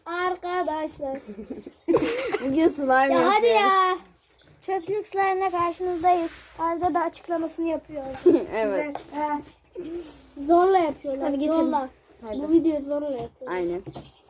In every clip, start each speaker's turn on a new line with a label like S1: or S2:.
S1: Arkadaşlar.
S2: Bugün slime
S1: Ya
S2: yapıyoruz.
S1: hadi ya. Çöplük slime'la karşınızdayız. Arda da açıklamasını yapıyor.
S2: Evet.
S1: Zorla yapıyorlar.
S2: Hadi getir.
S1: Zorla.
S2: Hadi.
S1: Bu videoyu zorla yapıyorlar.
S2: Aynen.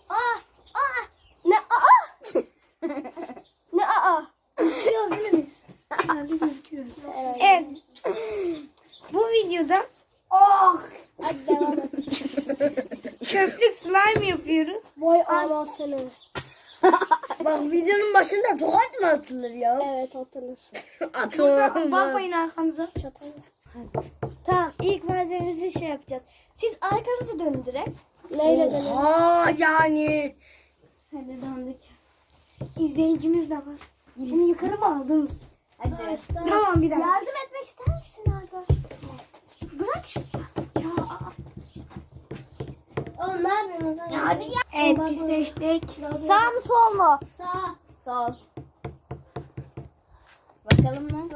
S1: Ne ne Gözüküyoruz değil mi biz? Herhalde gözüküyoruz. Evet.
S3: Bu videoda
S1: Hadi devam et.
S3: çöplük slime yapıyoruz.
S1: Vay anasını.
S3: Bak videonun başında tokat mı atılır ya?
S1: Evet atılır.
S3: Atılır. Bakmayın arkanıza.
S1: Çatal. Tamam ilk malzememizi şey yapacağız. Siz arkanızı dönün direkt. Neyle dönün?
S3: Yani.
S1: Hadi döndük.
S3: İzleyicimiz de var. Bunu yukarı mı aldınız?
S2: Hadi.
S3: Tamam bir dakika.
S1: Yardım etmek ister misin Arda? Bırak şunu. Ya. Oğlum ne yapıyorsun?
S2: Ya hadi ya.
S3: Evet biz seçtik.
S1: Sağ mı sol mu?
S2: Sağ. Sol. Bakalım mı?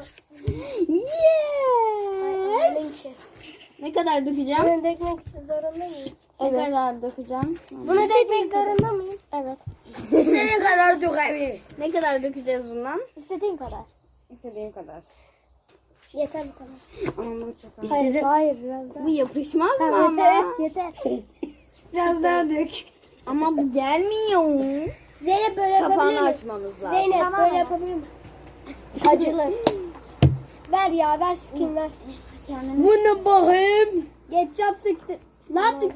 S2: Yes. Ne kadar dökeceğim?
S1: Bunu dökmek zorunda mıyız?
S2: Ne kadar dökeceğim?
S1: Bunu dökmek zorunda mıyım? Evet.
S3: İstediğin kadar dökebiliriz.
S2: Ne kadar dökeceğiz bundan?
S1: İstediğin kadar.
S2: İstediğin kadar.
S1: Yeter bu kadar.
S2: Aman bu çatal.
S1: Hayır biraz daha.
S2: Bu yapışmaz mı
S1: Tamam
S2: ama?
S1: yeter.
S3: Biraz daha dök.
S2: Ama bu gelmiyor.
S1: Zeynep böyle yapabilir
S2: Kapağını
S1: mi?
S2: açmamız lazım.
S1: Zeynep
S3: Tamam.
S1: böyle yapabilir mi? Acılı. Ver ya ver skin ver.
S3: Bunu bakayım.
S1: Ketçap sıktı. Ne yaptık?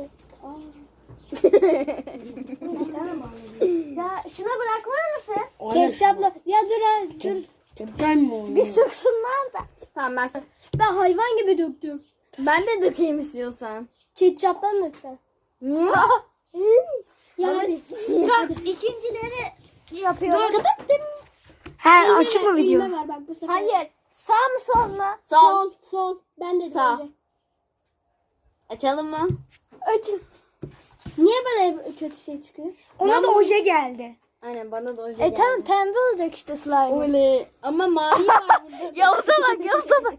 S1: Ya şuna bırakır mısın? Ketçapla. Ya dur ha dur.
S3: Köpten mi oldu?
S1: Bir sıksınlar da.
S2: Tamam
S1: Ben hayvan gibi döktüm.
S2: ben de dökeyim istiyorsan.
S1: Ketçaptan döksen. Ya hadi. Hadi. İkincileri yapıyoruz. Kapattım.
S3: He açık mı video?
S1: Ver bak bu sefer. Hayır. Sağ mı sol mu?
S2: Sol.
S1: Sol. Ben de
S2: Sağ.
S1: önce.
S2: Açalım mı?
S1: Açın. Niye bana hep kötü şey çıkıyor?
S3: Ona da oje geldi.
S2: Aynen bana da o geldi.
S1: Tamam pembe olacak işte slime.
S2: Öyle. Ama mavi var burada.
S1: Yavuz'a bak Yavuz'a bak.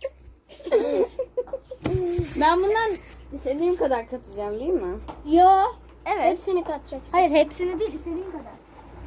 S2: Ben bundan istediğim kadar katacağım değil mi?
S1: Yo.
S3: Evet.
S1: Hepsini katacaksın.
S3: Hayır hepsini değil istediğin kadar.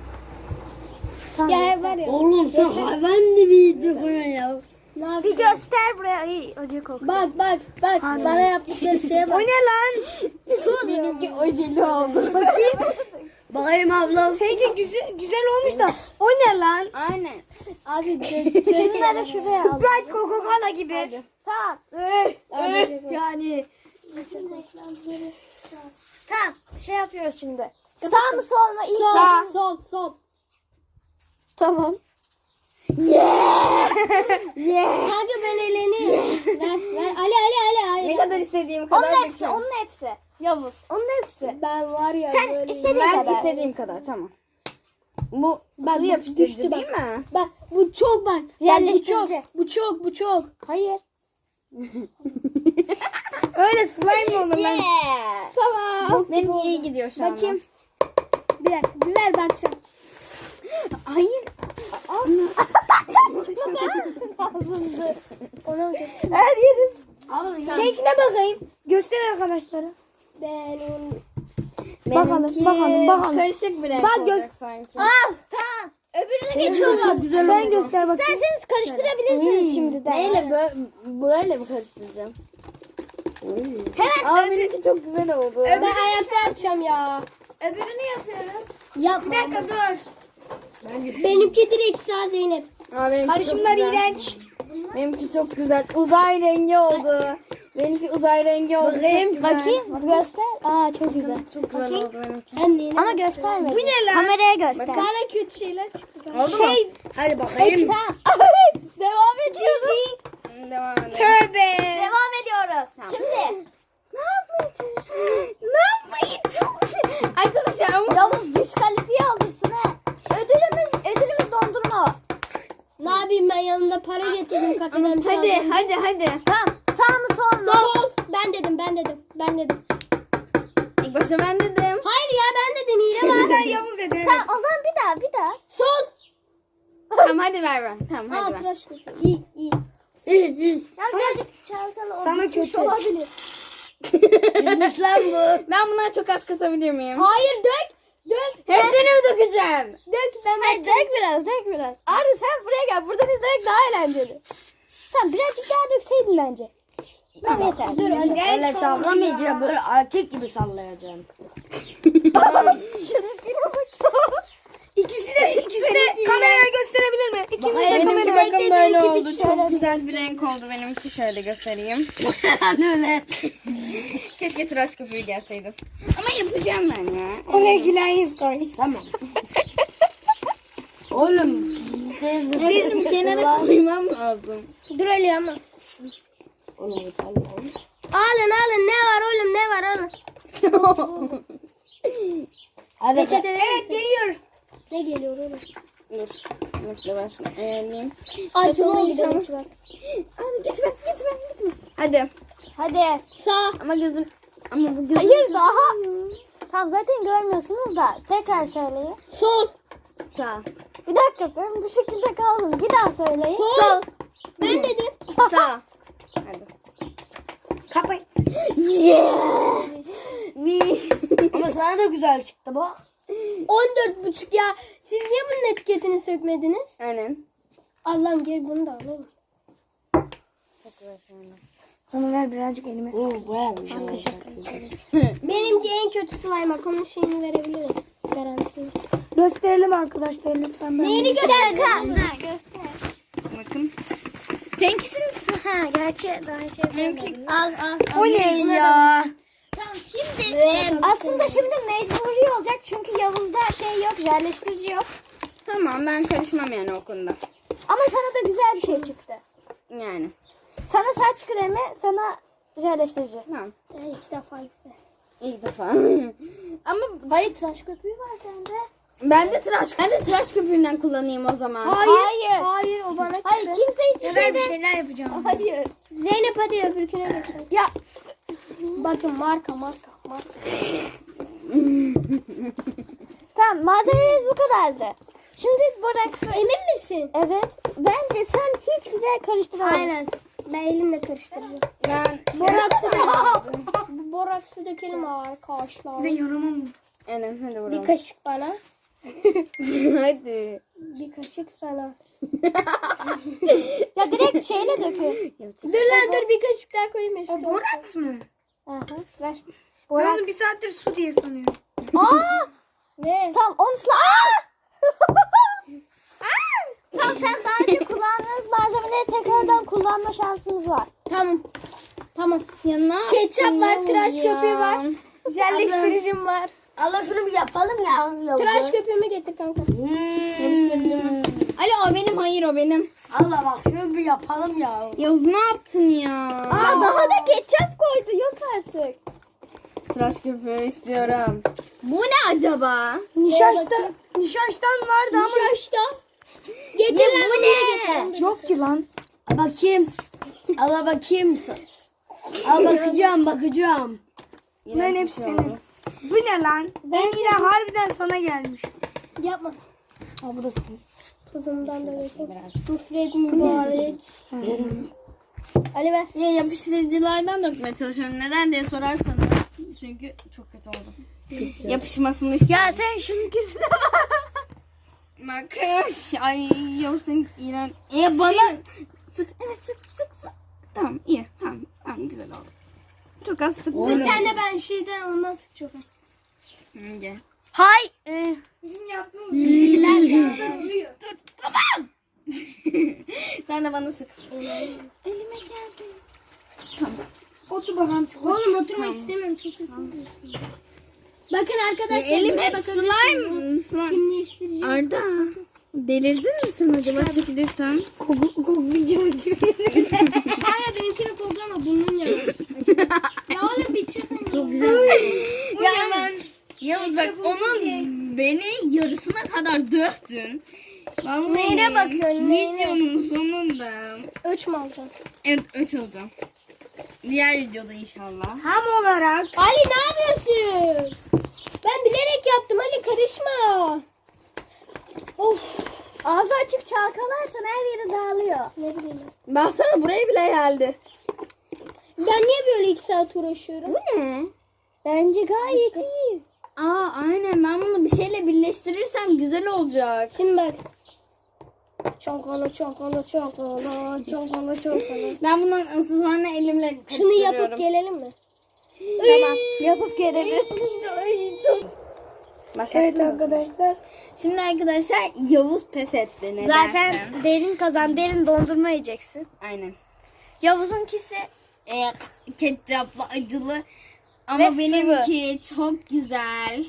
S1: Ya var ya.
S3: Oğlum sen hayvan gibi döküyorsun ya.
S1: Bir göster buraya. İyi acı kokuyor. Bak. Bana yaptıkları şeye bak.
S3: O ne lan?
S2: Benimki ojeli oldu.
S3: Bakayım ablam. Seninki güzel olmuş da o ne lan?
S2: Aynen.
S1: Abi gözleri şuraya al.
S3: Sprite Coca-Cola gibi.
S2: Hadi.
S1: Tamam.
S3: Yani.
S1: Tamam. Şey yapıyoruz şimdi. Sağ mı sol mu? İlk sol. Tamam. Kanka ben eğleniyorum. ver. Ali.
S2: Ne kadar istediğim kadar
S1: Onun hepsi,
S2: döksem.
S1: onun hepsi. Yavuz, onun hepsi. Ben var ya
S3: Sen
S1: böyle.
S3: istediğin
S2: Ben
S3: kadar.
S2: istediğim kadar tamam. Bu
S1: Bak,
S2: su
S1: bu
S2: yapıştırıcı
S1: düştü
S2: değil mi?
S1: Bak bu çok bak.
S3: Yerleştirici.
S1: Bu çok. Hayır.
S3: Öyle slime mi olur lan?
S2: Yeah.
S1: Tamam.
S2: Benim iyi gidiyor şu an.
S1: Bakayım. Bir dakika. Bir ver ben çabuk.
S2: Hayır.
S1: Ona mı
S3: Her yerim. Seninkine bakayım. Göster arkadaşlara.
S1: Ben onu...
S2: Benimki
S3: bakalım.
S2: karışık bir renk
S3: Bak,
S2: olacak sanki.
S1: Tamam. Öbürüne geçiyoruz.
S3: Sen göster bakayım.
S1: İsterseniz karıştırabilirsiniz şimdiden.
S2: Neyle böyle mi karıştıracağım? Aa benimki çok güzel oldu.
S1: Ben ayakta yapacağım ya.
S3: Öbürünü yapıyoruz.
S1: Yapma.
S3: Bir dakika dur.
S1: Benimki direkt sağ Zeynep.
S2: Aa, benimki çok
S3: Karışımlar
S2: güzel.
S3: iğrenç.
S2: Benimki çok güzel. Uzay rengi oldu. Benimki uzay rengi oldu.
S3: Bakayım,
S2: Çok güzel.
S1: Bakayım. Göster. Aa çok güzel.
S2: Çok güzel oldu benimki.
S1: Ama gösterme.
S3: Bu ne lan?
S1: Kameraya göster.
S2: Bana kötü şeyler çıktı.
S3: Hadi bakayım.
S1: Devam ediyoruz.
S2: Devam edelim.
S3: Tövbe.
S1: Devam ediyoruz. Şimdi.
S2: Ne yapmayı Arkadaşlar ama
S1: Yavuz diskalifiye alırsın ha. Ödülümüz dondurma. Ne yapayım ben yanımda para getirdim kafeden bir şey aldım.
S2: hadi.
S1: Tamam. Sağ mı sol mu? Sol. Ben dedim.
S2: İlk başta ben dedim.
S1: Hayır ya ben dedim hile var.
S3: Ben Yavuz dedi.
S1: Tamam o zaman bir daha. Sol.
S2: Tamam hadi ver. Tamam hadi ver.
S1: Tıraş köpüğü. İyi.
S3: İyi.
S1: Ya birazcık çarkalı
S3: Sana
S1: olmuş
S3: kötü.
S1: olabilir.
S3: Bilmiş lan bu.
S2: Ben bundan çok az katabilir miyim?
S1: Hayır dök. Dök.
S2: Hepsini mi dökeceğim?
S1: Dök. Hayır, dök biraz. Arda sen buraya gel. Buradan izlemek daha eğlenceli. Tamam birazcık daha dökseydin bence. Tamam yeter. Dur
S3: Öyle sallamayacağım. Böyle erkek gibi sallayacağım. İkisi de kameraya gösterebilir mi? İkimiz de
S2: Benimki
S3: kameraya.
S2: bakın böyle
S1: benimki
S2: oldu.
S1: bir
S2: Çok
S1: şöyle
S2: güzel bir renk oldu benimki. Şöyle göstereyim.
S3: Öyle.
S2: Keşke tıraş köpüğü gelseydim. Ama yapacağım ben ya.
S3: Oraya gülen yüz koy. Tamam. Oğlum.
S2: Benim kenara koymam lazım.
S1: Dur öyle ama. Alın ne var oğlum ne var alın.
S3: Hadi.
S1: Peçete verin.
S3: Evet geliyor.
S1: Ne geliyor oğlum?
S2: Dur. Nasıl ben şunu ayarlayayım.
S1: Acılı
S2: Peçete
S1: olacak.
S2: olacağım. Hadi gitme. Hadi.
S1: Hadi sağ.
S2: Ama gözün... Ama bu gözün...
S1: Hayır daha. Tamam zaten görmüyorsunuz da tekrar söyleyin. Sol.
S2: Sağ.
S1: Bir dakika ben bu şekilde kaldım. Bir daha söyleyin.
S2: Sol.
S1: Ben dedim.
S2: Sağ. Hadi.
S3: Kapay.
S2: Bir.
S3: Ama sana da güzel çıktı bak.
S1: 14,5 ya. Siz niye bunun etiketini sökmediniz?
S2: Aynen.
S1: Allah'ım gel bunu da alalım.
S3: Onu ver birazcık elime sık.
S1: Benimki en kötü slime. Onun şeyini verebilirim. Garantisi.
S3: Gösterelim arkadaşlar lütfen.
S1: Neyini göstereceğim? Göster.
S2: Bakın.
S1: Seninkisini ha gerçi daha şey
S2: Benimki-
S1: al.
S3: O ne ya?
S1: Tamam şimdi aslında şimdi mecburi olacak çünkü Yavuz'da şey yok, jelleştirici yok.
S2: Tamam ben karışmam yani o konuda.
S1: Ama sana da güzel bir şey çıktı.
S2: Yani.
S1: Sana saç kremi, sana jelleştirici.
S2: Tamam.
S1: 2 defa güzel.
S2: İlk defa. Ama
S1: Hayır tıraş köpüğü var sende.
S2: ben de tıraş köpüğünden kullanayım o zaman.
S1: Hayır o bana çıktı. Hayır kimse hiçbir
S3: Ben bir
S1: şeyden.
S3: şeyler yapacağım.
S1: Hayır. Zeynep hadi öbürküne bakalım. Ya. Bakın marka. Tamam malzememiz bu kadardı. Şimdi boraksı. Emin misin? Evet. Bence sen hiç güzel karıştıramadın. Aynen. Ben elimle karıştıracağım.
S2: Ben
S1: Boraksı dökelim arkadaşlar.
S3: Ne yaramam.
S2: Aynen hadi
S1: Bir
S2: vuralım.
S1: kaşık bana.
S2: Hadi.
S1: Bir kaşık sana. Ya direkt şeyle dökün. Dur bir kaşık daha koyayım işte.
S3: O boraks mı?
S1: Aha, ver.
S3: Ben onu bir saattir su diye sanıyorum.
S1: Aa! Ne? Tamam onu Tamam sen daha önce kullandığınız malzemeleri tekrardan kullanma şansınız var. Tamam.
S2: Yanına
S1: Ketçap var, tıraş köpüğü var. Jelleştiricim var.
S3: Allah şunu bir yapalım ya.
S1: Tıraş köpüğümü getir kanka.
S2: Alo o benim, hayır o benim.
S3: Allah bak şunu bir yapalım ya.
S2: Yavuz ne yaptın ya?
S1: Daha da ketçap koydu. Yok artık.
S2: Tıraş köpüğü istiyorum. Bu ne acaba?
S3: Nişaştan vardı ama.
S1: Nişaşta. Getir lan
S2: bu
S1: bunu
S2: ne?
S3: Yok ki lan. Bakayım. Al bakayım. Al bakacağım. Bunların hepsi senin. Bu ne lan? Ben yine harbiden sana gelmiş.
S1: Yapma.
S3: Aa bu da senin.
S1: Tuzumdan da dökeyim. Nusret mübarek. Ali ver.
S2: Ya yapıştırıcılardan dökmeye çalışıyorum. Neden diye sorarsanız. Çünkü çok kötü oldu. Yapışmasını istiyorum.
S1: Ya sen şununkisine bak.
S2: Bak. Ay Yavuz senin iğren. Bana sık. Evet sık. Tamam iyi. Tamam güzel oldu. Çok az sık.
S1: Sen de ben şeyden ondan sık çok az.
S2: Gel.
S1: Hay.
S3: Bizim yaptığımız
S1: Bilgiler ya.
S2: Dur tamam. Sen de bana sık. Elime geldi. Tamam.
S3: otur bakalım.
S1: Oğlum oturmak istemiyorum. Çok kötü. Bakın arkadaşlar.
S2: Elim
S1: buraya
S2: hep
S1: bakın.
S2: slime.
S1: Simleştirici.
S2: Arda. Delirdin mi sen acaba çekilirsen?
S1: Kanka benimkini koklama burnun yanar. Ya oğlum bir çıkın. Çok
S2: Ya ben Yavuz bak onun beni yarısına kadar döktün. Vallahi
S1: Neyine bakıyorsun, neyine?
S2: Videonun sonunda.
S1: Ölç mü alacaksın?
S2: Evet öç olacağım. Diğer videoda inşallah.
S3: Tam olarak.
S1: Ali ne yapıyorsun? Ben bilerek yaptım Ali karışma. Of. Ağzı açık çalkalarsan her yeri dağılıyor. Ne bileyim.
S2: Baksana buraya bile geldi.
S1: Ben niye böyle 2 saat uğraşıyorum?
S2: Bu ne?
S1: Bence gayet iyi.
S2: Aa aynen ben bunu bir şey güzel olacak.
S1: Şimdi bak. Çokolo çokolo çokolo çokolo çokolo.
S2: Ben bundan sonra elimle
S1: Şunu
S2: karıştırıyorum.
S1: yapıp gelelim mi? Tamam. Yapıp gelelim.
S3: Evet arkadaşlar.
S2: Şimdi arkadaşlar Yavuz pes etti. Nedense.
S1: Zaten derin kazan, derin dondurma yiyeceksin.
S2: Aynen.
S1: Yavuz'unkisi
S2: Ketçaplı acılı. Ama
S1: Ve
S2: benimki çok güzel.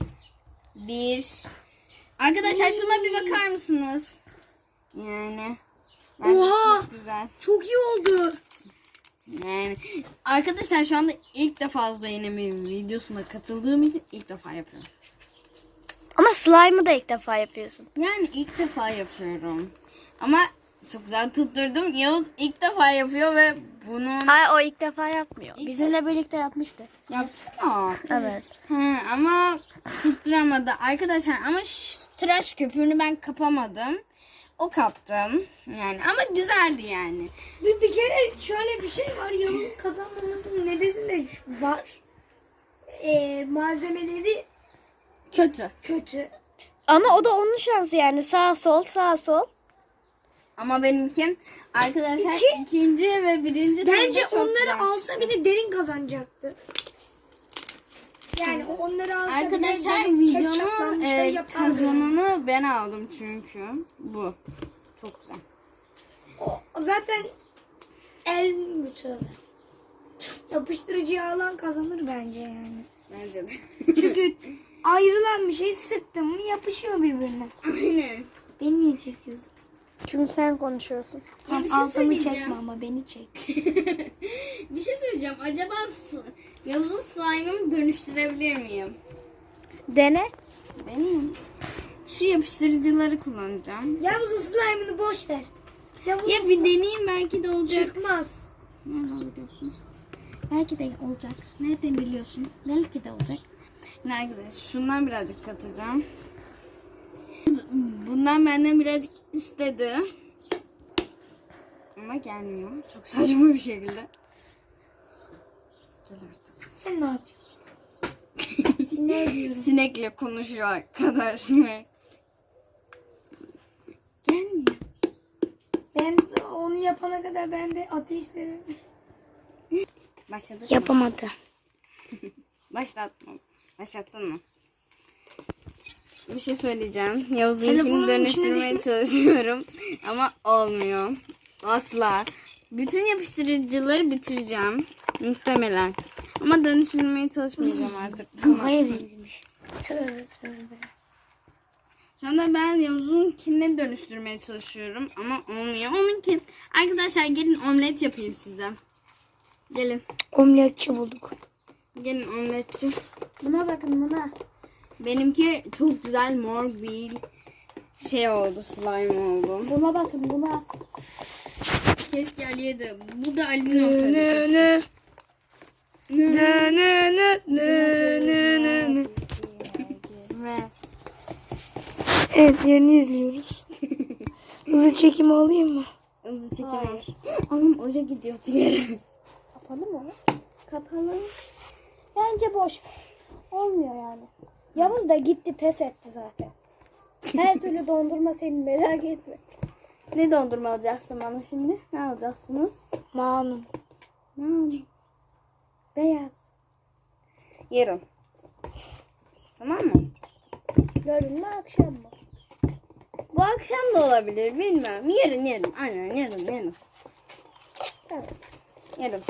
S2: Arkadaşlar şuna bir bakar mısınız? Yani. Bence
S3: Oha!
S2: çok güzel.
S3: Çok iyi oldu.
S2: Yani. Arkadaşlar şu anda ilk defa Zeynep'in videosuna katıldığım için ilk defa yapıyorum.
S1: Ama slime'ı da ilk defa yapıyorsun.
S2: Yani ilk defa yapıyorum. Ama çok güzel tutturdum. Yavuz ilk defa yapıyor ve bunun
S1: Hayır, o ilk defa yapmıyor. Bizimle birlikte yapmıştı.
S2: yaptı mı?
S1: Evet.
S2: Ama tutturamadı. Arkadaşlar ama tıraş köpüğünü ben kapamadım. O kaptım. Yani ama güzeldi yani.
S3: Bir kere şöyle bir şey var. Yavuz'un kazanmamasının nedeni de var. Malzemeleri
S2: Kötü.
S3: kötü.
S1: Ama o da onun şansı yani. Sağ sol sağ sol.
S2: Ama benimki arkadaşlar ikinci ve birinci
S3: Bence
S2: turda çok
S3: onları
S2: güzel
S3: alsa
S2: çıktı.
S3: bir de derin kazanacaktı. Yani onları alsa
S2: Arkadaşlar
S3: bir de
S2: videonun
S3: ketçaplanmış şey yapardı.
S2: kazananı ben aldım çünkü. Bu. Çok güzel.
S3: O zaten el bütünü. Yapıştırıcıyı alan kazanır bence yani.
S2: Bence de.
S3: Çünkü ayrılan bir şey sıktın mı yapışıyor birbirine.
S2: Aynen.
S3: Beni niye çekiyorsun?
S1: Çünkü sen konuşuyorsun.
S2: Ya bir şey
S3: Altımı
S2: söyleyeceğim.
S3: çekme ama beni çek.
S2: Bir şey söyleyeceğim. Acaba Yavuz'un slime'ımı dönüştürebilir miyim?
S1: Dene.
S2: Deneyim. Şu yapıştırıcıları kullanacağım.
S3: Yavuz'un slime'ını boş ver. Yavuz'un
S2: Ya bir deneyeyim belki de olacak.
S3: çıkmaz.
S2: Nereden biliyorsun? Belki de olacak. Nereden biliyorsun? Belki de olacak. Şimdi arkadaşlar şundan birazcık katacağım. Bundan benden birazcık istedi. Ama gelmiyor. Çok saçma bir şekilde. Gel artık.
S3: Sen ne yapıyorsun? Ne diyorum?
S2: Sinekle konuşuyor arkadaşlar. Gelmiyor.
S3: Ben onu yapana kadar ben de ateş severim.
S2: Başladık mı?
S1: Yapamadı.
S2: Başlattın mı? Bir şey söyleyeceğim. Yavuz'unkini
S3: Telefonun
S2: dönüştürmeye
S3: içine
S2: çalışıyorum. Ama olmuyor. Asla. Bütün yapıştırıcıları bitireceğim. Muhtemelen. Ama dönüştürmeye çalışmayacağım artık.
S3: Hayır benzemiş. Tövbe tövbe.
S2: Şu anda ben Yavuz'unkini dönüştürmeye çalışıyorum. Ama olmuyor. Onunki. Arkadaşlar gelin omlet yapayım size. Gelin.
S3: Omletçi bulduk.
S2: Gelin omletçi.
S1: Buna bakın buna.
S2: Benimki çok güzel mor bir şey oldu. Slime oldu.
S1: Buna bakın buna.
S2: Keşke Ali'ye de. Bu da Ali'nin olsaydı. keşke.
S3: Ne ne ne ne ne. Evet yerini izliyoruz. Hızlı çekimi alayım mı?
S2: Hızlı çekiyor. Anam oca gidiyor diğeri.
S1: Kapalı mı? Kapalı. Bence boş ver. Olmuyor yani. Yavuz da gitti, pes etti zaten. Her türlü dondurma senin, merak etme.
S2: Ne dondurma alacaksın bana şimdi? Ne alacaksınız?
S3: Mamnun.
S2: Ne alayım?
S1: Beyaz.
S2: Yarın. Tamam mı?
S1: Yarın mı akşam mı?
S2: Bu akşam da olabilir bilmem. Yarın. Aynen yarın.
S1: Evet.
S2: Yarın.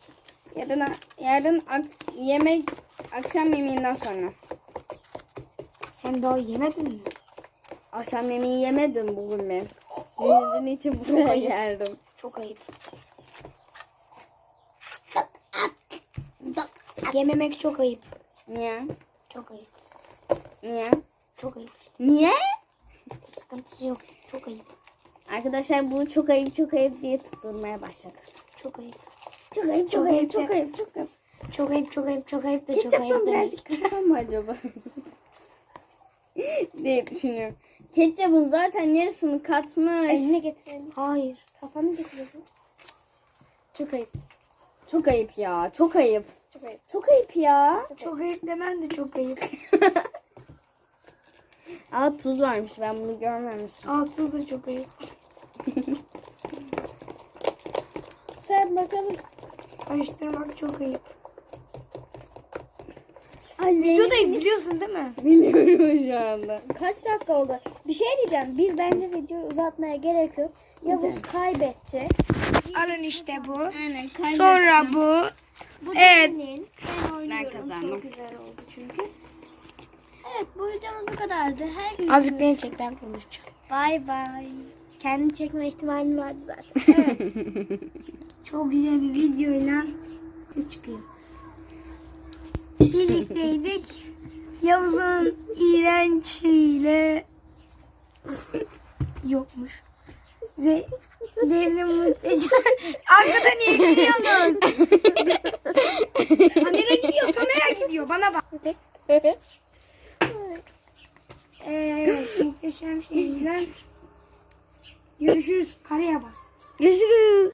S2: Yarın yemek akşam yemeğinden sonra.
S3: Sen daha yemedin mi?
S2: Akşam yemeği yemedim bugün ben. Sizin için buraya geldim.
S3: Çok ayıp. Yememek çok ayıp.
S2: Niye?
S3: Çok ayıp.
S2: Niye?
S3: Çok ayıp.
S2: Niye?
S3: Sıkıntısı yok. Çok ayıp.
S2: Arkadaşlar bu çok ayıp diye tutturmaya başladı.
S3: Çok ayıp.
S2: Çok ayıp.
S3: Çok ayıp.
S2: Çok ayıp.
S3: Çok ayıp, çok ayıp, çok ayıp da çok
S2: Ketçaptan
S3: ayıp demek.
S2: birazcık katsam mı acaba? diye düşünüyorum. Ketçapın zaten yarısını katmış.
S1: Elini getirelim.
S3: Hayır.
S1: Kafanı getirelim.
S2: Çok ayıp. Çok ayıp ya. Çok ayıp.
S1: Çok ayıp.
S2: Çok ayıp ya.
S3: Çok ayıp demen de çok ayıp.
S2: Aa tuz varmış. Ben bunu görmemişim.
S3: Altı da çok ayıp.
S1: Sen bakalım.
S3: Karıştırmak çok ayıp.
S1: Ay
S3: Videodayız biliyorsun değil mi?
S2: Biliyorum şu anda.
S1: Kaç dakika oldu? Bir şey diyeceğim. Biz bence videoyu uzatmaya gerek yok. Yavuz kaybetti.
S3: Alın işte bu.
S2: Aynen kaybettim.
S3: Sonra bu.
S1: Bu
S3: Evet.
S1: benim. Ben oynuyorum.
S2: kazandım.
S1: Çok güzel oldu çünkü. Evet bu videomuz bu kadardı. Her gün
S3: Azıcık beni çek, ben konuşacağım.
S1: bay bay. Kendini çekme ihtimalin vardı zaten. Evet.
S3: Çok güzel bir videoyla de çıkıyor. Birlikteydik. Yavuz'un iğrençliğiyle yokmuş. Derinin muhteşem. Arkada niye gülüyorsunuz? Kamera gidiyor, kamera gidiyor. Bana bak. Muhteşem şeyle görüşürüz. Kareye bas.
S2: Görüşürüz.